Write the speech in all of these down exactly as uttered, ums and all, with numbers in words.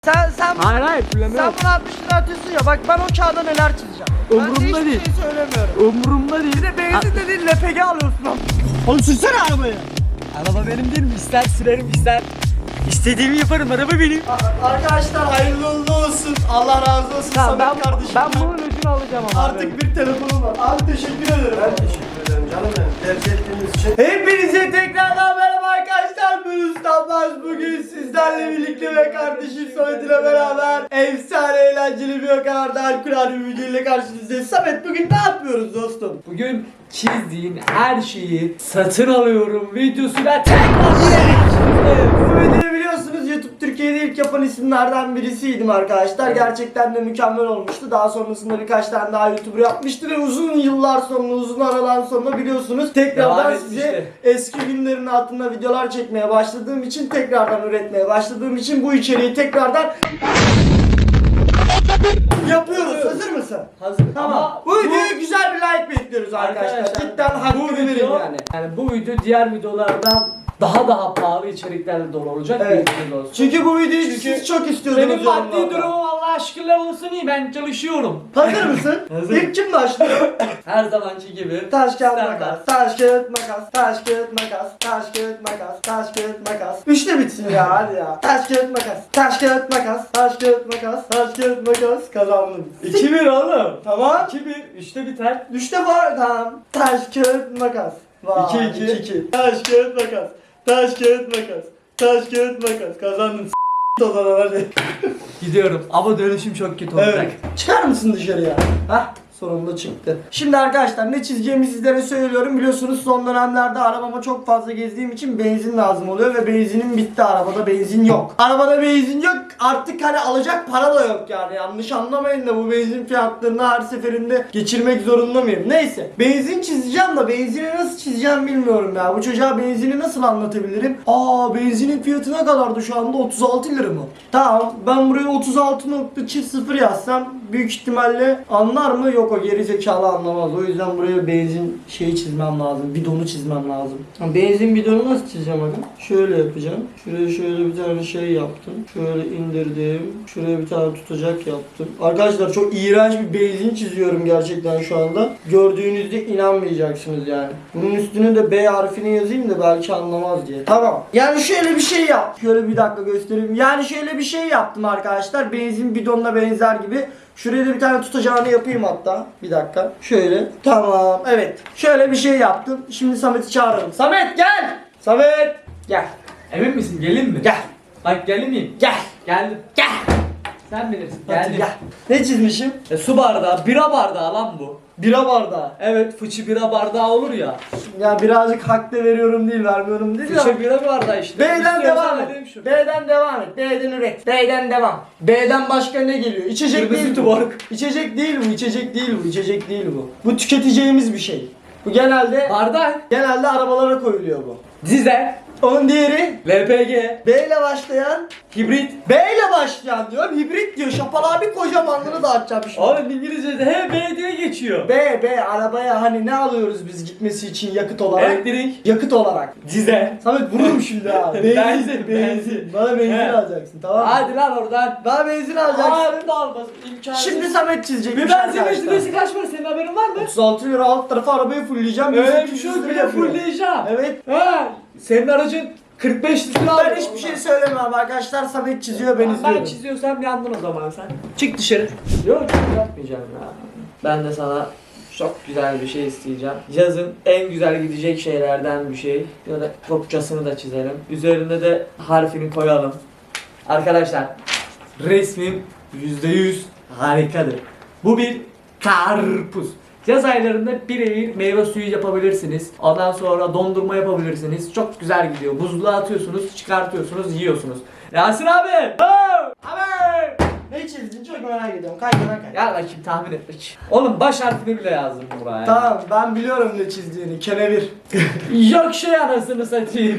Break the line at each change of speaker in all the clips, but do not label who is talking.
Sen sen
Hayır hayır
sen
fullemem.
bana altmış lira atıyorsun ya, bak ben o kağıda neler çizeceğim.
Umurumda
ben de hiçbir
değil.
şey söylemiyorum.
Umurumda değil.
Bir de benzin de değil, L P G alıyorsun lan.
Oğlum sürsene arabayı. Araba benim değil mi? İster sürerim ister. İstediğimi yaparım, araba benim.
A- Arkadaşlar hayırlı uğurlu olsun. Allah razı olsun
Tamam,
Samet
ben,
kardeşim.
ben bunun öcünü alacağım ama.
Artık bir telefonum var. Abi teşekkür ederim.
Ben teşekkür ederim canım benim. Tercih ettiğiniz için.
Hepinize tekrardan merhaba arkadaşlar. Ben Ustanmaz. Bugün sizlerle birlikte ve kardeşim Samet ile beraber efsane eğlenceli bir o kadar da harikulade bir video ile karşınızdayız. Samet, bugün ne yapıyoruz dostum?
Bugün çizdiğin her şeyi satın alıyorum videosuyla tekrar.
Bu videoyu biliyorsunuz, YouTube Türkiye'de ilk yapan isimlerden birisiydim arkadaşlar. Gerçekten de mükemmel olmuştu. Daha sonrasında birkaç tane daha YouTuber yapmıştı ve uzun yıllar sonra, uzun aradan sonra biliyorsunuz tekrardan
Devam
size
etmişti.
eski günlerin altında videolar çekmeye başladığım için, tekrardan üretmeye başladığım için bu içeriği tekrardan yapıyoruz. Hazır mısın?
Hazır.
Tamam.
Ama
Bu videoya güzel bir like bekliyoruz arkadaşlar. Cidden hakkını verin
video,
yani.
yani bu video diğer videolardan daha daha pahalı içeriklerle dolu olacak.
Evet.
bir video olsun.
Çünkü bu videoyu
Çünkü
siz çok istiyordunuz.
Benim maddi
yorumlarda.
durumum Allah şükürler olsun iyi, ben çalışıyorum.
Hazır mısın?
Hazır.
İlk kim başlıyor?
Her zamanki gibi.
Taş kağıt
Standart.
makas, taş kağıt makas, taş kağıt makas, taş kağıt makas, taş kağıt makas. Üçte bitsin ya, hadi ya. Taş kağıt makas, taş kağıt makas, taş kağıt makas, taş kağıt makas. Kazandım.
iki bir oğlum.
Tamam.
iki bir. üçte biter.
Üçte var, tamam. Taş kağıt makas. Vay,
İki, iki.
iki. Taş kağıt makas, taş kağıt makas, taş kağıt makas. Kazandım. S**t o zaman hadi.
Gidiyorum ama dönüşüm çok kötü olacak.
Evet. Çıkar mısın dışarıya? Hah, sonunda çıktı. Şimdi arkadaşlar ne çizeceğimi sizlere söylüyorum. Biliyorsunuz son dönemlerde arabama çok fazla gezdiğim için benzin lazım oluyor ve benzinim bitti. Arabada benzin yok. Arabada benzin yok. Artık hani alacak para da yok yani. Yanlış anlamayın da bu benzin fiyatlarını her seferinde geçirmek zorunda mıyım? Neyse. Benzin çizeceğim da benzini nasıl çizeceğim bilmiyorum ya. Bu çocuğa benzini nasıl anlatabilirim? Aa, benzinin fiyatı ne kadardı şu anda? otuz altı lira mı? Tamam. Ben buraya otuz altı nokta sıfır yazsam büyük ihtimalle anlar mı? Yok, o geri zekalı anlamaz. O yüzden buraya benzin şeyi çizmem lazım. Bidonu çizmem lazım. Benzin bidonu nasıl çizeceğim bakın? Şöyle yapacağım. Şuraya şöyle bir tane şey yaptım. Şöyle indirdim. Şuraya bir tane tutacak yaptım. Arkadaşlar çok iğrenç bir benzin çiziyorum gerçekten şu anda. Gördüğünüzde inanmayacaksınız yani. Bunun üstüne de B harfini yazayım da belki anlamaz diye. Tamam. Yani şöyle bir şey yap. Şöyle bir dakika göstereyim. Yani şöyle bir şey yaptım arkadaşlar. Benzin bidonuna benzer gibi. Şuraya da bir tane tutacağını yapayım hatta. Bir dakika. Şöyle. Tamam. Evet. Şöyle bir şey yaptım. Şimdi Samet'i çağıralım. Samet gel. Samet gel.
Emin misin? Gelin mi?
Gel.
Bak gelin miyim?
Gel.
Geldim.
Gel.
Sen bilirsin.
Hadi
Geldim.
gel. Ne çizmişim?
E, su bardağı, bira bardağı lan bu.
Bira bardağı.
Evet, fıçı bira bardağı olur ya.
Ya birazcık hak da veriyorum değil, vermiyorum değil ya.
Fıçı bira bardağı işte.
B'den
İstiyorsan
devam
vereyim
et.
şunu.
B'den devam et. B'den üret. B'den devam. B'den başka ne geliyor? İçecek
Kırmızı
değil bu.
tuborg.
İçecek değil bu. İçecek değil bu. İçecek değil bu. Bu tüketeceğimiz bir şey. Bu genelde
Bardak.
genelde arabalara koyuluyor bu.
Dizel.
Onun diğeri
L P G.
B ile başlayan,
Hibrit.
B ile başlayan diyor. Hibrit diyor. Şapal abi kocamanlığını da açacağım şimdi.
Oğlum İngilizce'de he B diye geçiyor.
B, B arabaya hani ne alıyoruz biz gitmesi için yakıt olarak?
Elektrik.
Yakıt olarak.
Dizel.
Samet vururum şimdi ha. Benzin,
Benzin,
benzin.
benzin.
Bana benzin
He.
alacaksın, tamam mı?
Hadi lan oradan.
Bana benzin alacaksın.
Ağrında almaz. İmkansız.
Şimdi Samet çizecek
bir benzin litresi kaç para, senin haberin var mı?
otuz altı lira, alt tarafa arabayı fullleyeceğim.
Öyle
yüz
bir şey
yüz
yok,
lira
bir de
yapıyor.
fullleyeceğim.
Evet.
Ha, senin aracın kırk beş litre
Ben
alıyor.
hiçbir şey söylemem arkadaşlar. Samet çiziyor, ben
Ben
izliyorum.
çiziyorsam yandın o zaman sen. Çık dışarı. Yok yapmayacağım ya. Ben de sana çok güzel bir şey isteyeceğim. Yazın en güzel gidecek şeylerden bir şey. Ya da kopçasını da çizelim. Üzerine de harfini koyalım. Arkadaşlar resmim yüzde yüz harikadır. Bu bir karpuz. Yaz aylarında birebir meyve suyu yapabilirsiniz. Ondan sonra dondurma yapabilirsiniz. Çok güzel gidiyor. Buzluğa atıyorsunuz, çıkartıyorsunuz, yiyorsunuz. Yasin abi! Oh! Abi!
Ne çizdin çok merak ediyorum. Kay kay kay.
Gel bakayım tahmin et bakayım. Oğlum baş harfini bile yazdım buraya.
Tamam, ben biliyorum ne çizdiğini. Kenevir.
Yok şey anasını satayım.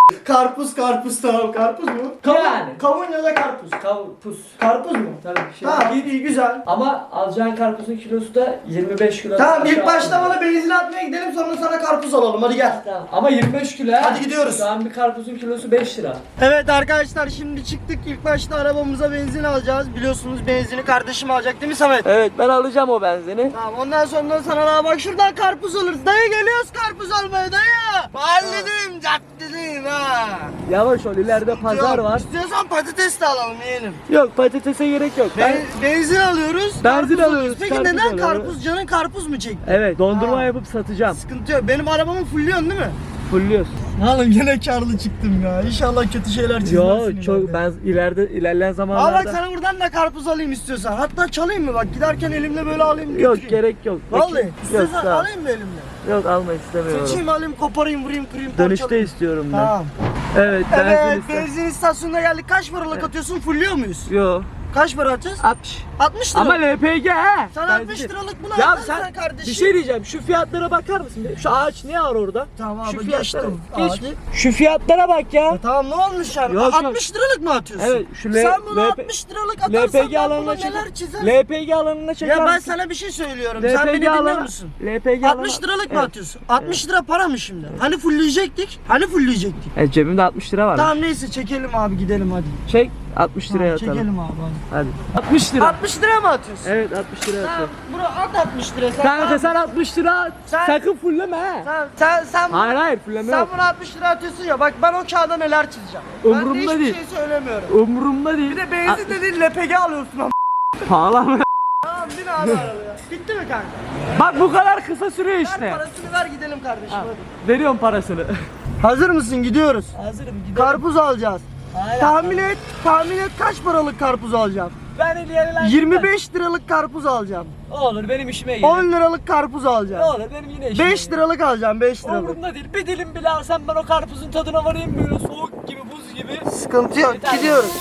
Karpuz karpuz tamam karpuz mu? Kavun,
Yani.
Kavun ya da karpuz.
Karpuz.
Karpuz mu?
Tabii. Şey,
Tamam iyi, iyi güzel.
Ama alacağın karpuzun kilosu da yirmi beş kilo.
Tamam ilk
Aşağı
başta
alma.
bana benzin atmaya gidelim sonra sana karpuz alalım hadi gel.
Tamam. Ama yirmi beş kilo ha.
Hadi gidiyoruz.
Şu an bir karpuzun kilosu beş lira.
Evet arkadaşlar şimdi çıktık ilk başta arabamıza benzin alacağız. Biliyorsunuz benzini kardeşim alacak değil mi Samet?
Evet ben alacağım o benzini.
Tamam ondan sonra sana daha bak şuradan karpuz alırız. Dayı geliyoruz karpuz almaya dayı. Mahalledeyim caddedeyim ha.
Yavaş ol ileride pazar
Yok,
var.
İstiyorsan patates de alalım yiyelim.
Yok patatese gerek yok. Ben...
Ben, benzin alıyoruz.
Benzin
karpuz
alıyoruz,
Peki
karpuz
neden
alıyoruz.
karpuz? Canın karpuz mu çekti?
Evet dondurma
Ha.
yapıp satacağım.
Sıkıntı yok. Benim arabamı fulluyorsun değil mi?
Fulluyoruz.
Oğlum yine karlı çıktım ya. İnşallah kötü şeyler çizmezsin.
Yo çok ben ileride ilerleyen
Aa
zamanlarda.
bak sana buradan da karpuz alayım istiyorsan. Hatta çalayım mı bak giderken elimle böyle alayım.
Yok
götüreyim.
gerek yok.
Vallahi
Yok,
istiyorsan
sağ ol.
alayım mı elimle?
Yok alma istemiyorum.
Seçeyim alayım koparayım vurayım kırayım
Dönüşte
parçalayayım.
istiyorum ben.
Tamam.
Evet benzin
Evet
istiyorum.
benzin istasyonuna geldik. Kaç paralık atıyorsun? Fulluyor muyuz?
Yo
Kaç para atacağız?
altmış.
altmış lira.
Ama L P G he.
Sen
Benzin.
altmış liralık bunu
Ya
atarsın
sen
kardeşim.
bir şey diyeceğim. Şu fiyatlara bakar mısın? Şu ağaç ne var orada?
Tamam
Şu
abi
fiyatlara
geçtim.
geç.
Ağacı.
Şu fiyatlara bak ya.
E tamam ne olmuş yani?
Yok, yok.
altmış liralık mı atıyorsun?
Evet şu L
Sen bunu
L P
altmış liralık
L
atarsan
P G
ben
alanına
buna
çeker.
neler çizerim?
L P G alanına çeker
Ya ben
misin?
sana bir şey söylüyorum.
L P G
Sen beni dinliyor
alanı-
musun?
L P G alanı-
altmış liralık mı
Evet.
atıyorsun? altmış lira para mı şimdi? Hani fullleyecektik? Hani fullleyecektik?
E, cebimde altmış lira var.
Tamam neyse çekelim abi gidelim hadi.
Çek altmış liraya
Tamam,
atalım.
çekelim abi hadi.
Hadi. altmış lira.
altmış lira mı atıyorsun?
Evet altmış liraya
Tamam
atalım.
bro at altmış lira sen.
Kanka sen altmış lira at.
Sen-
Sakın fulleme he.
Sen sen sen,
Hayır hayır fulleme
sen
yok.
bunu altmış lira atıyorsun ya bak ben o kağıda neler çizeceğim.
Umurumda
ben de hiçbir
değil.
şey söylemiyorum.
Umurumda değil.
Bir de benzin de değil L P G alıyorsun ama.
Pahalı mı?
Tamam bin abi arabaya. Bitti mi kanka?
Bak bu kadar kısa sürüyor
Ver
işte.
parasını ver gidelim kardeşim
Ha,
hadi.
veriyorum parasını.
Hazır mısın gidiyoruz.
Hazırım gidelim.
Karpuz alacağız.
Hayır,
Tahmin et, tahmin et kaç paralık karpuz alacağım?
Ben ileriden
yirmi beş liralık karpuz alacağım.
Olur benim işime gelir.
on liralık karpuz
Ne
alacağım.
olur benim yine işime
beş liralık alacağım, beş liralık.
Umurumda değil. Bir dilim bile alsam ben o karpuzun tadına varayım böyle soğuk gibi buz gibi.
Sıkıntı yok,
Yeter.
gidiyoruz.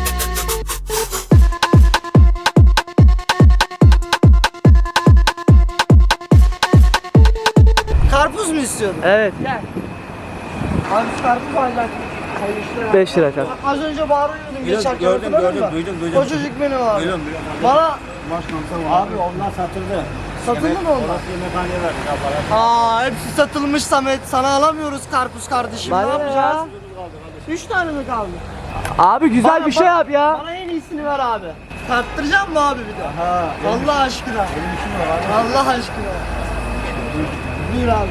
Karpuz mu istiyorsun?
Evet. Gel.
Abi şu karpuz alacak.
beş lira kar.
Az önce bağırıyordum geçerken.
gördüm,
hatırladın
gördüm,
mı?
duydum, duydum.
O çocuk benim abi.
Duydum, duydum.
Bana
Abi onlar satıldı.
satıldı mı onlar?
Orası yemekhaneye verdik ya para.
Aa hepsi satılmış Samet. Sana alamıyoruz karpuz kardeşim.
Bana
ne
ne
yapacağız?
ya?
Üç tane mi kaldı?
Abi güzel
Bana-
bir şey
bana-
yap ya.
Bana en iyisini ver abi. Tarttıracak mı abi bir de?
Ha.
Allah aşkına.
Benim işim var abi.
Allah aşkına. Buyur abi.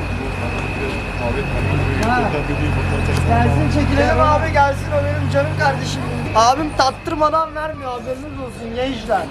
Ha. Gelsin çekilelim abi gelsin o benim canım kardeşim. Abim tattırmadan vermiyor haberiniz olsun gençler.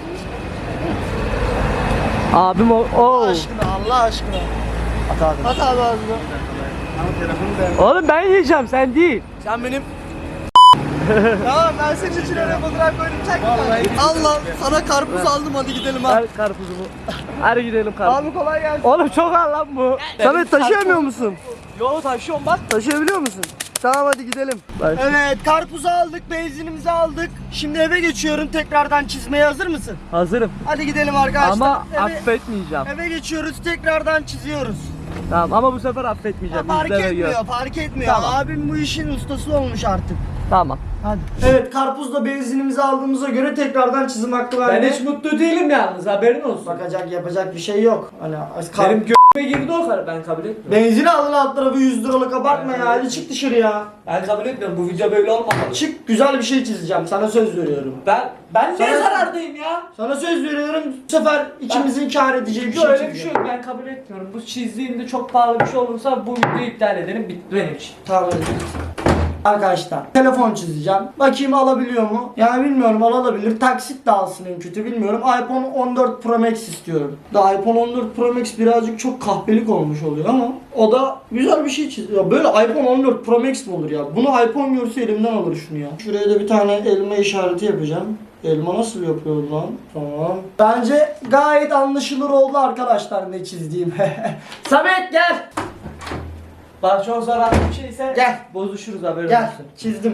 Abim o.
Allah
Oo.
aşkına Allah aşkına.
At abi.
At abi ağzına.
Ama telefonu da
Oğlum ben yiyeceğim sen değil.
Sen benim Tamam ben senin için öyle fotoğraf koydum çek. Allah sana karpuz aldım hadi gidelim abi.
Ver karpuzumu. Hadi gidelim karpuz.
Abi kolay gelsin.
Oğlum çok al lan bu.
Samet taşıyamıyor musun?
Yo taşıyorum bak.
Taşıyabiliyor musun? Tamam hadi gidelim.
Bak.
Evet karpuzu aldık, benzinimizi aldık. Şimdi eve geçiyorum tekrardan çizmeye hazır mısın?
Hazırım.
Hadi gidelim arkadaşlar.
Ama
eve,
affetmeyeceğim.
eve geçiyoruz tekrardan çiziyoruz.
Tamam ama bu sefer
Ha,
affetmeyeceğim.
fark
İzle ve
etmiyor,
gör.
fark etmiyor.
Tamam.
Abim bu işin ustası olmuş artık.
Tamam.
Hadi. Evet karpuzla benzinimizi aldığımıza göre tekrardan çizim hakkı
Ben
verdi.
hiç mutlu değilim yalnız haberin olsun.
Bakacak yapacak bir şey yok. Hani kar-
Benim gö**me girdi o kadar ben kabul etmiyorum.
benzini alın alt tarafı yüz liralık abartma
Ben-
ya. Hadi çık dışarı ya.
Ben kabul etmiyorum bu video böyle olmamalı.
Çık güzel bir şey çizeceğim. Sana söz veriyorum.
Ben ben niye
Sana-
zarardayım ya?
Sana söz veriyorum. Bu sefer ikimizin kâr edeceği bir
Yok
şey
öyle bir şey
çizeceğim.
yok ben kabul etmiyorum. Bu çizdiğimde çok pahalı bir şey olursa bu videoyu iptal edelim bitti benim için.
Tamam hadi. Arkadaşlar telefon çizeceğim. Bakayım alabiliyor mu? Yani bilmiyorum alabilir. Taksit de alsın en kötü bilmiyorum. iPhone on dört Pro Max istiyorum. Da iPhone on dört Pro Max birazcık çok kahpelik olmuş oluyor ama o da güzel bir şey çiziyor. Böyle iPhone on dört Pro Max mi olur ya? Bunu iPhone görse elimden alır şunu ya. Şuraya da bir tane elma işareti yapacağım. Elma nasıl yapıyordu lan? Tamam. Bence gayet anlaşılır oldu arkadaşlar ne çizdiğim. Samet gel.
Bak çok zararlı bir şeyse
Gel.
bozuşuruz haberin
Gel
olsun.
çizdim.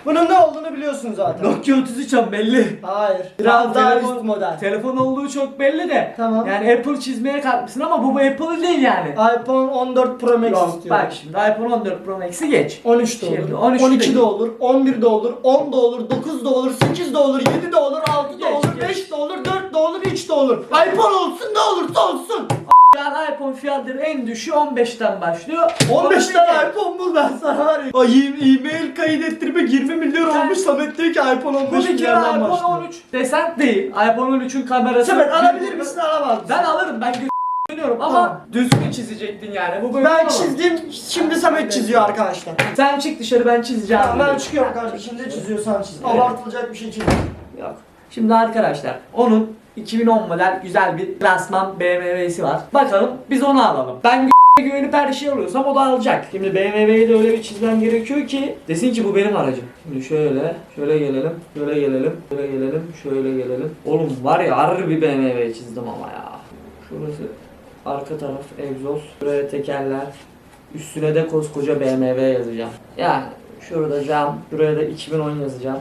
Bunun ne olduğunu biliyorsun zaten.
Nokia otuz üç an belli.
Hayır. Biraz daha
telefon-
üst model.
Telefon olduğu çok belli de.
Tamam.
Yani Apple çizmeye kalkmışsın ama bu, bu Apple değil yani.
iPhone on dört Pro Max
Yok,
istiyorum.
bak şimdi iPhone on dört Pro Max'i geç.
on üç de olur,
Şimdi on üç
on iki
de
de olur, on bir de olur, on da olur, dokuz da olur, sekiz de olur, yedi de olur, altı da
Geç,
olur,
geç.
beş de olur, dört de olur, üç de olur. iPhone olsun ne olursa olsun.
Yani iPhone fiyatları en düşüğü on beşten başlıyor.
on beş
Ama
tane
değil.
iPhone bul ben sana var ya. Ay e-mail kaydettirme yirmi milyon
Sen-
olmuş. Samet diyor ki iPhone on
Bu
beş
bir kere
milyardan
iPhone
başlıyor.
on üç desen değil. iPhone on üçün kamerası.
Samet alabilir misin alamaz mısın?
Ben alırım, ben görüyorum ama
Tamam.
düzgün çizecektin yani. Bu böyle
Ben
olmaz.
çizdim, şimdi Samet çiziyor arkadaşlar.
Sen çık dışarı, ben çizeceğim.
Tamam ben
dedim.
çıkıyorum kardeşim, ne çiziyorsan çiz.
Evet.
Abartılacak bir şey çiz.
Yok. Şimdi arkadaşlar onun iki bin on model güzel bir klasman B M W'si var. Bakalım biz onu alalım. Ben gü- güvenip her şeyi alıyorsam o da alacak. Şimdi B M W'yi de öyle bir çizmem gerekiyor ki desin ki bu benim aracım. Şimdi şöyle, şöyle gelelim, şöyle gelelim, şöyle gelelim, şöyle gelelim. Oğlum var ya harbi bir B M W çizdim ama ya. Şurası arka taraf egzoz, buraya tekerler, üstüne de koskoca B M W yazacağım. Yani şurada cam, buraya da iki bin on yazacağım.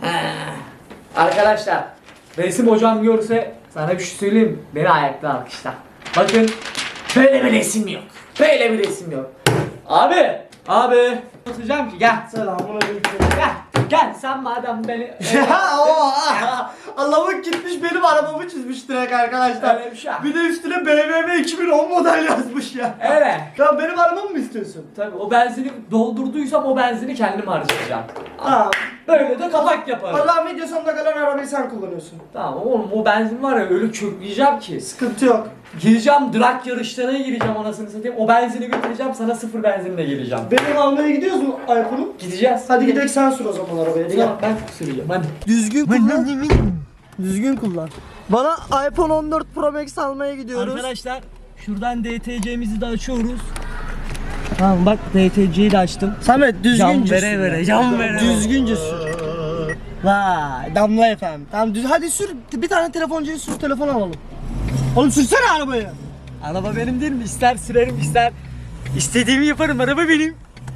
Arkadaşlar resim hocam görse sana bir şey söyleyeyim mi? Beni ayakta alkışlar. Bakın böyle bir resim yok. Böyle bir resim yok. Abi, abi atacağım ki gel.
Selamun aleyküm.
Gel. Gel sen madem beni
Ya o Allah'ım gitmiş benim arabamı çizmiş direkt arkadaşlar.
Öyle bir şey.
Bir de üstüne B M W iki bin on model yazmış ya.
Evet.
Ya benim arabamı mı istiyorsun?
Tabii o benzini doldurduysam o benzini kendim harcayacağım.
Tamam.
Böyle de kapak yaparım.
Allah'ın video sonuna kadar arabayı sen kullanıyorsun.
Tamam oğlum o benzin var ya öyle kökleyeceğim ki.
Sıkıntı yok.
Gireceğim drag yarışlarına gireceğim anasını satayım. O benzini götüreceğim sana sıfır benzinle geleceğim.
Benim almaya gidiyoruz mu iPhone'u?
Gideceğiz.
Hadi gidelim sen sür o zaman arabaya. Hadi gel.
Tamam ben süreceğim hadi.
Düzgün kullan. Düzgün kullan. Bana iPhone on dört Pro Max almaya gidiyoruz.
Arkadaşlar şuradan D T C'mizi de açıyoruz. Tamam bak D T C'yi de açtım.
Samet düzgünce
Can vere
sür.
vere, can vere vere.
Düzgünce sür. Vay Damla efendim. Tamam düz hadi sür. Bir tane telefoncuyu sür telefon alalım. Oğlum sürsene arabayı.
Araba benim değil mi? İster sürerim ister istediğimi yaparım. Araba benim.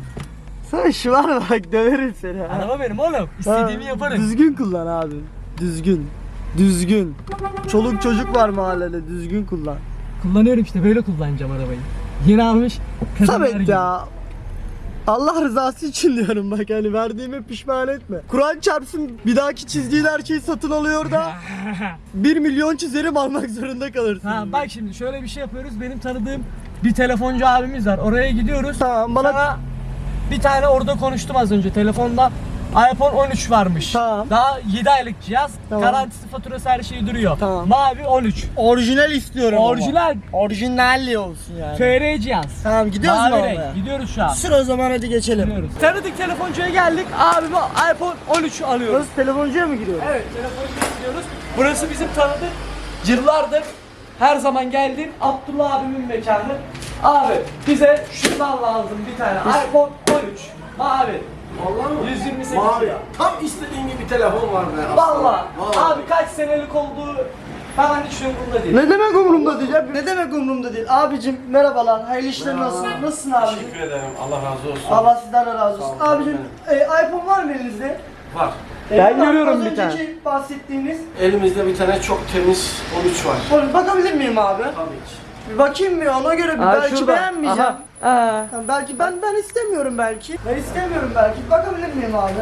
Sen şu var mı bak döverim seni. ha.
Araba benim oğlum. İstediğimi
Ha,
yaparım.
Düzgün kullan abi. Düzgün. Düzgün. Çoluk çocuk var mahallede düzgün kullan.
Kullanıyorum işte böyle kullanacağım arabayı. Yeni almış.
Samet ya. Allah rızası için diyorum bak hani verdiğime pişman etme. Kur'an çarpsın bir dahaki çizdiğin her şeyi satın alıyor da bir milyon çizerim almak zorunda kalırsın.
Ha bak şimdi şöyle bir şey yapıyoruz. Benim tanıdığım bir telefoncu abimiz var. Oraya gidiyoruz.
Tamam bana
Sana bir tane orada konuştum az önce telefonda. iPhone on üç varmış.
Tamam.
Daha yedi aylık cihaz.
Tamam.
Garantisi, faturası her şeyi duruyor.
Tamam.
Mavi on üç.
orijinal istiyorum ama.
Orijinal
Orijinalli olsun yani.
F R cihaz.
Tamam gidiyoruz mu
Mavi
oraya?
renk. Gidiyoruz şu an.
Sür o zaman hadi geçelim.
Gidiyoruz. Tanıdık telefoncuya geldik. Abime iPhone on üç alıyoruz.
Nasıl telefoncuya mı giriyoruz?
Evet telefoncuya gidiyoruz. Burası bizim tanıdık. Yıllardır her zaman geldiğim Abdullah abimin mekanı. Abi bize şundan lazım bir tane iPhone on üç. Mavi.
Vallahi mı?
yüz yirmi sekiz.
Mavi. Tam istediğin gibi telefon var be.
Valla.
Vallahi.
Abi kaç senelik olduğu falan hiç umurumda değil.
Ne demek umurumda değil ya? Ne demek umurumda değil? Abicim merhabalar. Hayırlı işler
Merhaba.
nasılsın? Nasılsın abicim?
Teşekkür ederim. Allah razı olsun.
Allah sizden de razı olsun.
Sağ olun,
Abicim e, iPhone var mı elinizde?
Var.
E,
Ben
var.
görüyorum
Az
bir tane.
önceki bahsettiğiniz.
Elimizde bir tane çok temiz on üç var.
Oğlum bakabilir miyim abi?
Tabii ki.
Bir bakayım bir ona göre bir
Aa,
belki
şurada.
beğenmeyeceğim.
Aha. Aa.
Tamam, belki ben ben istemiyorum belki. Ben istemiyorum belki. Bakabilir miyim abi?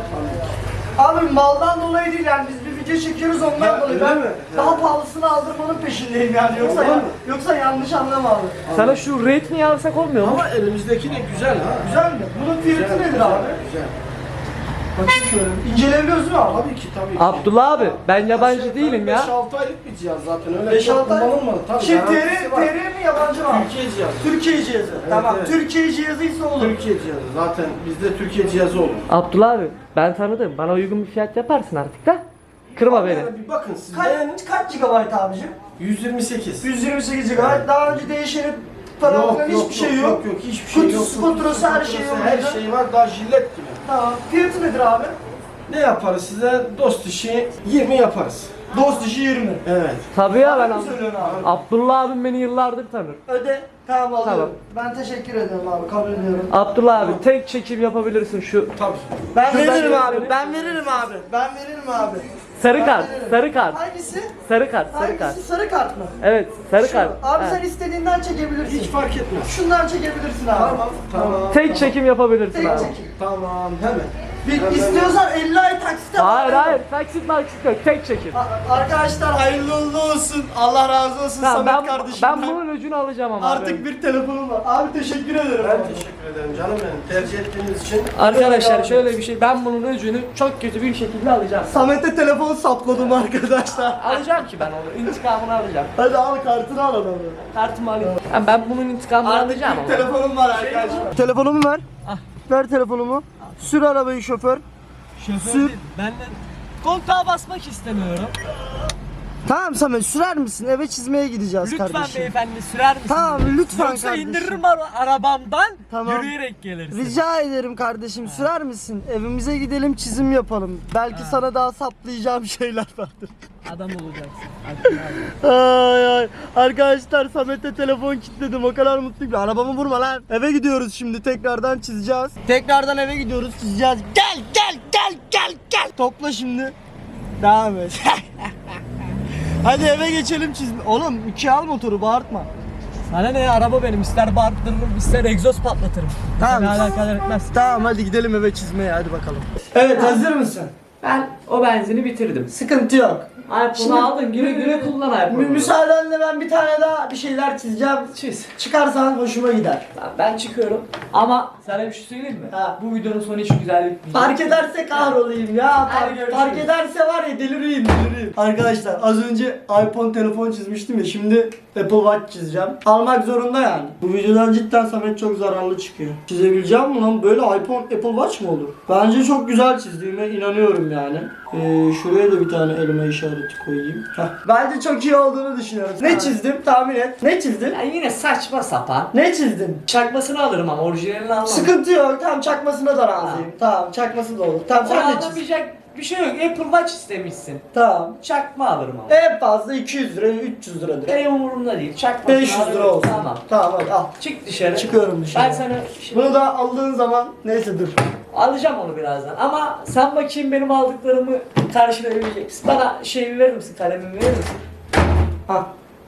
Abi maldan dolayı değil yani biz bir video çekiyoruz ondan
Ya,
dolayı.
öyle
Ben
mi?
daha
Ha.
pahalısını aldırmanın peşindeyim yani yoksa
Vallahi
ya,
mi?
yoksa yanlış anlama abi.
Sana şu rate'ini alsak olmuyor mu?
Ama elimizdeki de güzel ha.
Güzel mi? Bunun fiyatı
Güzel,
nedir
güzel,
abi?
Güzel.
Bakayım şöyle. İnceleyebiliyoruz değil mi abi?
Tabii ki tabii ki.
Abdullah abi ben yabancı
Aşağı
değilim
yukarı
ya.
beş altı aylık bir cihaz zaten öyle
beş
çok
altı ay.
kullanılmadı. Tabii
Şey T R,
garantisi var.
T R mi yabancı mı abi?
Türkiye cihazı.
Türkiye cihazı. tamam.
evet.
Türkiye cihazıysa olur.
Türkiye cihazı. Zaten bizde Türkiye cihazı olur.
Abdullah abi ben tanıdım. Bana uygun bir fiyat yaparsın artık da. Kırma beni.
Yani bir bakın siz beğenin.
Kaç, kaç gigabayt abicim?
yüz yirmi sekiz.
yüz yirmi sekiz gigabayt. Daha önce değişeni falan filan hiçbir şey yok.
Yok yok hiçbir şey yok.
Kutusu, faturası, her şey yok.
Her şey var daha jilet gibi.
Tamam. Fiyatı nedir abi?
Ne yaparız size? Dost işi yirmi yaparız.
Dost işi yirmi.
Evet.
Tabii ya ben
Ne
abi.
söylüyorsun abi?
Abdullah abim beni yıllardır tanır.
Öde. Tamam alıyorum.
Tamam.
Ben teşekkür ederim abi. Kabul ediyorum.
Abdullah abi tek çekim yapabilirsin şu.
Tabii.
Ben
Şuradan
veririm abi.
gösterelim.
Ben veririm abi. Ben veririm abi.
Sarı
Ben
kart,
veririm.
sarı kart.
Hangisi?
Sarı kart, sarı kart.
Hangisi? Sarı kart mı?
Evet, sarı
Şu.
kart.
Abi
He.
sen istediğinden çekebilirsin.
Hiç fark etmez.
Şundan çekebilirsin abi.
Tamam. Tamam.
Tek çekim yapabilirsin
Tek
abi.
çekim.
Tamam. Hemen.
Bir, istiyorsan elli ay taksite
Hayır
var.
hayır, taksit maksit yok, tek çekim.
A- Arkadaşlar hayırlı uğurlu olsun. Allah razı olsun
Tamam,
Samet
ben,
kardeşimden.
ben bunun öcünü alacağım ama
Artık
abi.
bir telefonum var. Abi teşekkür ederim.
Ben teşekkür ederim canım benim. Tercih ettiğiniz için.
Arkadaşlar şöyle bir şey, ben bunun öcünü çok kötü bir şekilde alacağım.
Samet'e telefon sapladım arkadaşlar.
Alacağım ki ben onu, intikamını alacağım.
Hadi al kartını al adamı.
Kartımı alayım. Yani ben bunun intikamını
Artık
alacağım
bir
ama.
telefonum var arkadaşlar. Telefonumu ver.
Ah.
Ver telefonumu. Sür arabayı şoför. Sür.
Ben de koltuğa basmak istemiyorum.
Tamam Samet sürer misin? Eve çizmeye gideceğiz
Lütfen
kardeşim.
beyefendi sürer misiniz?
Tamam lütfen
Yoksa
kardeşim.
indiririm ara- arabamdan,
Tamam.
yürüyerek gelirsin.
Rica ederim kardeşim sürer misin? Evimize gidelim çizim yapalım. Belki sana daha saplayacağım şeyler vardır.
Adam olacaksın.
Ay ay. Arkadaşlar Samet'e telefon kilitledim. O kadar mutluyum ki. Arabamı vurma lan. Eve gidiyoruz şimdi. Tekrardan çizeceğiz. Tekrardan eve gidiyoruz. Çizeceğiz. Gel gel gel gel gel. Topla şimdi. Devam et. Hadi eve geçelim çizme. Oğlum iki al motoru bağırtma.
Sana ne ya, araba benim, ister bağırttırırım ister egzoz patlatırım.
Tamam.
Seni alakadar etmez.
Tamam hadi gidelim eve çizmeye hadi bakalım. Evet hazır mısın?
Ben o benzini bitirdim.
Sıkıntı yok.
iPhone'u
Şimdi-
aldın, güle güle kullan
Mü-
iPhone'u.
müsaadenle ben bir tane daha bir şeyler çizeceğim.
Çiz.
Çıkarsan hoşuma gider.
Tamam, ben çıkıyorum ama sana bir şey söyleyeyim mi?
Ha.
Bu videonun sonu hiç güzel bitmeyecek.
Fark ederse kahrolayım ya.
Hadi
Fark,
görüşürüz.
fark ederse var ya delireyim delireyim. Arkadaşlar az önce iPhone telefon çizmiştim ya şimdi Apple Watch çizeceğim. Almak zorunda yani. Bu videodan cidden Samet çok zararlı çıkıyor. Çizebileceğim mi lan? Böyle iPhone Apple Watch mı olur? Bence çok güzel çizdiğime inanıyorum yani. Ee, şuraya da bir tane elma işareti koyayım. Heh. Bence çok iyi olduğunu düşünüyorum. Ne çizdim? Tahmin et. Ne çizdim?
Ya yine saçma sapan.
Ne çizdim?
Çakmasını alırım ama orijinalini almam.
Sıkıntı yok. Tamam çakmasına da razıyım. Tamam çakması da olur. Tamam sen de çiz.
Alamayacak bir şey yok. Apple Watch istemişsin.
Tamam.
Çakma alırım ama.
En fazla iki yüz lira, üç yüz liradır.
Benim umurumda değil. Çakmasını
beş yüz lira
alırım.
olsun.
Tamam.
Tamam hadi al.
Çık dışarı.
Çıkıyorum dışarı.
Ben sana şimdi
Bunu da aldığın zaman neyse dur.
alacağım onu birazdan. Ama sen bakayım benim aldıklarımı karşılayabilecek misin? Bana şeyimi verir misin? Kalemimi verir misin?
Ha.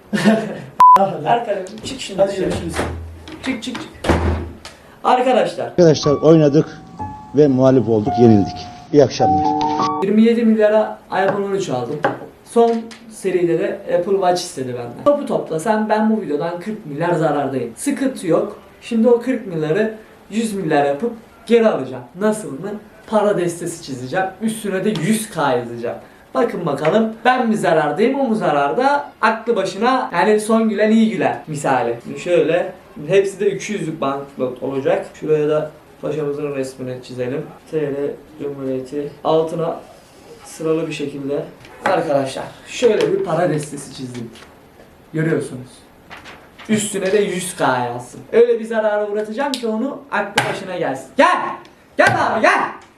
Ver kalemimi. Çık şimdi
Hadi
dışarı.
görüşürüz.
Çık çık çık. Arkadaşlar
Arkadaşlar oynadık ve muhalif olduk, yenildik. İyi akşamlar.
yirmi yedi milyara iPhone on üç aldım. Son seride de Apple Watch istedi benden. Topu topla sen ben bu videodan kırk milyar zarardayım. Sıkıntı yok. Şimdi o kırk milyarı yüz milyar yapıp geri alacağım. Nasıl mı? Para destesi çizeceğim. Üstüne de yüz K yazacağım. Bakın bakalım ben mi zarardayım o mu zararda? Aklı başına yani son gülen iyi güler misali. Şimdi şöyle hepsi de iki yüzlük banknot olacak. Şuraya da paşamızın resmini çizelim. T L Cumhuriyeti altına sıralı bir şekilde. Arkadaşlar şöyle bir para destesi çizdim. Görüyorsunuz. Üstüne de yüz K yazsın. Öyle bir zarara uğratacağım ki onu aklı başına gelsin. Gel! Gel abi gel!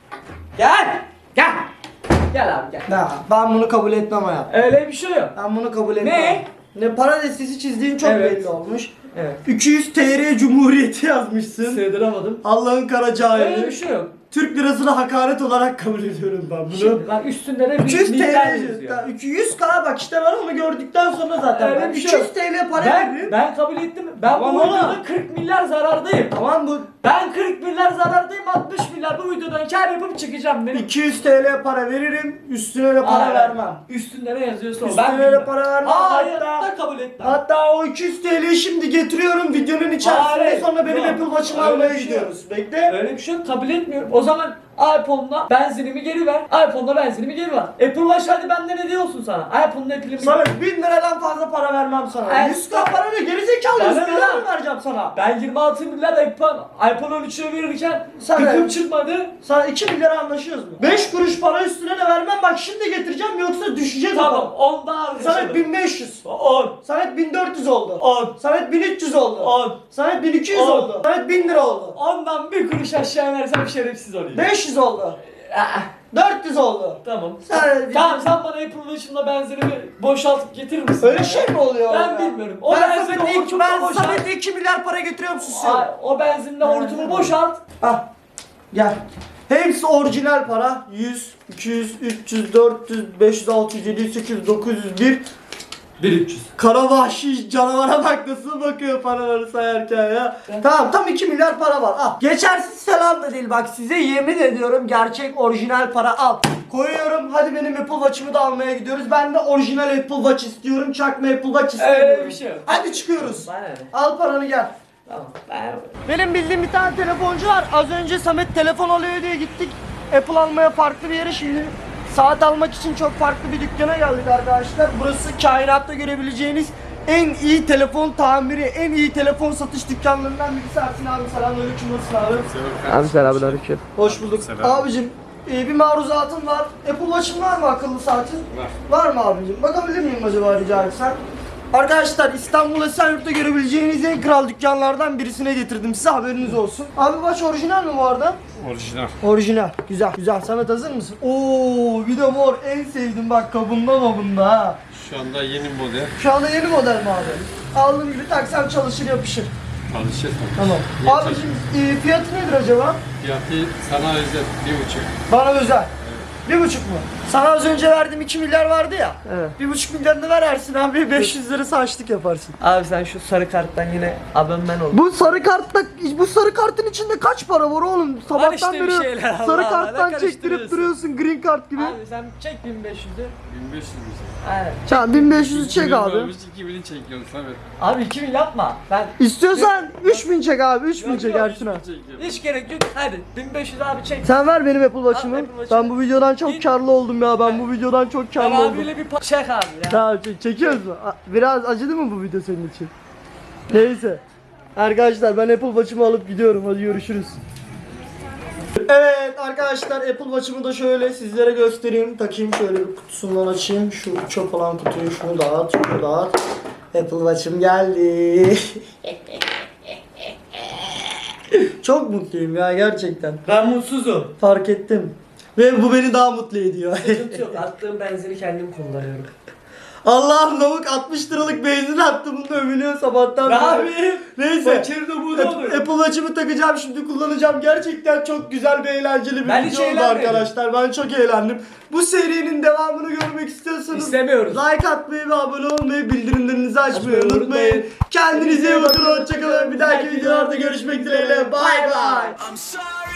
Gel! Gel! Gel abi gel.
Ya, ben bunu kabul etmem hayatım.
Öyle bir şey yok.
Ben bunu kabul etmem.
Ne?
Ne para destesi çizdiğin çok
Evet.
belli olmuş.
Evet.
iki yüz T L Cumhuriyeti yazmışsın.
Sığdıramadım.
Allah'ın kara
Öyle bir
cahili.
şey yok.
Türk lirasına hakaret olarak kabul ediyorum ben bunu.
Şimdi bak üstünde de
iki yüz
bir milyar
T L
yazıyor.
iki yüz K bak işte ben onu gördükten sonra zaten
Öyle
ben
bir şey
iki yüz
yok.
T L para
Ben,
veririm.
ben kabul ettim. Ben
Tamam
bu
oğlum.
videoda kırk milyar zarardayım.
Tamam bu
Ben kırk milyar zarardayım, altmış milyar bu videodan kar yapıp çıkacağım benim.
iki yüz T L para veririm, üstüne de para
Aa,
vermem.
Üstünde ne yazıyorsa o.
Üstüne
Ben
de
bilmem.
para vermem.
Aa,
hatta,
hayatta kabul etmem.
hatta o iki yüz T L'yi şimdi getiriyorum videonun içerisinde
Hayır,
sonra benim
yok.
Apple Watch'ımı
Öyle
almaya
bir şey
gidiyoruz. Bekle.
Öyle bir şey yok, kabul etmiyorum. O zaman iPhone'la benzinimi geri ver. iPhone'la benzinimi geri ver. Apple Watch hadi benden hediye olsun sana. iPhone'la pilimi
Sana bin liradan fazla para vermem sana.
Ay,
yüz K para ne? Gerizekalı
Bana
yüz
ne
lira
lan?
mı vereceğim sana?
Ben yirmi altı milyar iPhone, iPhone on üç'e verirken
Sana-
gıkım çıkmadı.
Sana iki milyar anlaşıyoruz mu? beş kuruş para üstüne de vermem bak şimdi getireceğim yoksa düşeceğiz
Tamam,
o.
on daha
Samet
anlaşalım.
bin beş yüz.
on.
Samet bin dört yüz oldu.
on.
Samet bin üç yüz oldu.
on.
Samet bin iki yüz
On.
oldu. Samet bin lira oldu.
Ondan bir kuruş aşağı inersem şerefsiz olayım.
beş yüz oldu.
Aa,
dört yüz oldu.
Tamam.
Sen-
Tamam sen bana Apple Watch'ımla benzini boşaltıp getirir misin?
Öyle
ya?
şey mi oluyor?
Ben
ya?
bilmiyorum. O
ben
benzini
Samet'e iki,
hortumla
ben
boşalt.
Samet'e iki milyar para götürüyorum, susuyorum.
Ay, o benzinle hortumu boşalt.
Ah, gel. Hepsi orijinal para. yüz, iki yüz, üç yüz, dört yüz, beş yüz, altı yüz, yedi yüz, sekiz yüz, dokuz yüz bir.
bin üç yüz.
Kara vahşi canavara bak nasıl bakıyor paraları sayarken ya. Tamam, tam iki milyar para var. Al. Geçersiz falan da değil, bak size yemin ediyorum gerçek orijinal para al. Koyuyorum, hadi benim Apple Watch'ımı da almaya gidiyoruz. Ben de orijinal Apple Watch istiyorum. Çakma Apple Watch istemiyorum.
Öyle bir şey yok.
Hadi çıkıyoruz.
Bana ne?
Al paranı gel.
Tamam. Ben...
Benim bildiğim bir tane telefoncu var. Az önce Samet telefon alıyor diye gittik. Apple almaya farklı bir yere, şimdi saat almak için çok farklı bir dükkana geldik arkadaşlar. Burası kainatta görebileceğiniz en iyi telefon tamiri, en iyi telefon satış dükkanlarından birisi. Ersin abi selamünaleyküm, nasılsın abi?
Abi selamünaleyküm.
Hoş bulduk. Abicim e, bir maruzatım var. Apple Watch'ın var mı, akıllı saatin? Var. Var mı abicim? Bakabilir miyim acaba rica etsem? Arkadaşlar İstanbul Esenyurt'ta görebileceğiniz en kral dükkanlardan birisine getirdim size, haberiniz olsun. Abi watch orijinal mi bu arada?
Orijinal.
Orijinal. Güzel. Güzel. Samet hazır mısın? Oo, bir de mor, en sevdim bak, kabında mabında ha.
Şu anda yeni model.
Şu anda yeni model mi abi? Aldığım gibi taksam çalışır yapışır.
Çalışır.
Tamam.
Niye
Abicim e, fiyatı nedir acaba?
Fiyatı sana özel bir buçuk.
Bana özel. Bir buçuk mu? Sana az önce verdiğim iki milyar vardı ya.
Evet.
Bir buçuk milyarını ver Ersin abi, beş yüz lirası açlık yaparsın.
Abi sen şu sarı karttan yine abonman ol.
Bu sarı kartta, bu sarı kartın içinde kaç para var oğlum? Sabahtan
işte bir
beri
şeyler, Allah
sarı
Allah,
karttan
ne
çektirip
karıştırıyorsun?
duruyorsun, green kart gibi.
Abi sen çek bin beş yüzü.
bin beş yüz lira.
Aynen.
Tamam, bin beş yüzü çek abi.
iki bini çekiyoruz tabii.
Abi iki bin yapma. Ben
İstiyorsan üç bin çek abi, üç bin
Yok,
çek
yok,
Ersin abi.
hiç gerek yok. Hadi bin beş yüz abi çek.
Sen ver benim Apple Watch'ımı.
Al Apple Watch'ımı.
Ben bu videodan çok
Bin-
karlı oldum ya. Ben bu videodan çok
Ben
karlı oldum.
abiyle bir pa- çek abi ya.
Tamam, çek- çekiyoruz mu? A- Biraz acıdı mı bu video senin için? Neyse. Arkadaşlar ben Apple Watch'ımı alıp gidiyorum. Hadi görüşürüz. Evet arkadaşlar, Apple Watch'ımı da şöyle sizlere göstereyim. Takayım, şöyle bir kutusundan açayım. Şu çöp olan kutuyu, şunu dağıt, şunu dağıt. Apple Watch'ım geldi. Çok mutluyum ya gerçekten.
Ben mutsuzum.
Fark ettim. Ve bu beni daha mutlu ediyor.
Sıkıntı yok. Attığım benzini kendim kullanıyorum.
Allah'ım, lavuk altmış liralık benzin attı, bunu övünüyor sabahtan
Ne
beri.
yapayım?
Neyse.
Fakir de bu da olur.
Apple Watch'ımı takacağım şimdi, kullanacağım. Gerçekten çok güzel bir eğlenceli bir
Ben hiç
video oldu
eğlenmedim.
arkadaşlar. Ben çok eğlendim. Bu serinin devamını görmek istiyorsanız
İstemiyoruz.
like atmayı ve abone olmayı, bildirimlerinizi açmayı
Açmayı
unutmayın.
unutmayın.
Kendinize iyi bakın. Hoşçakalın. Bir dahaki videolarda görüşmek dileğiyle. Bay bay.
I'm sorry.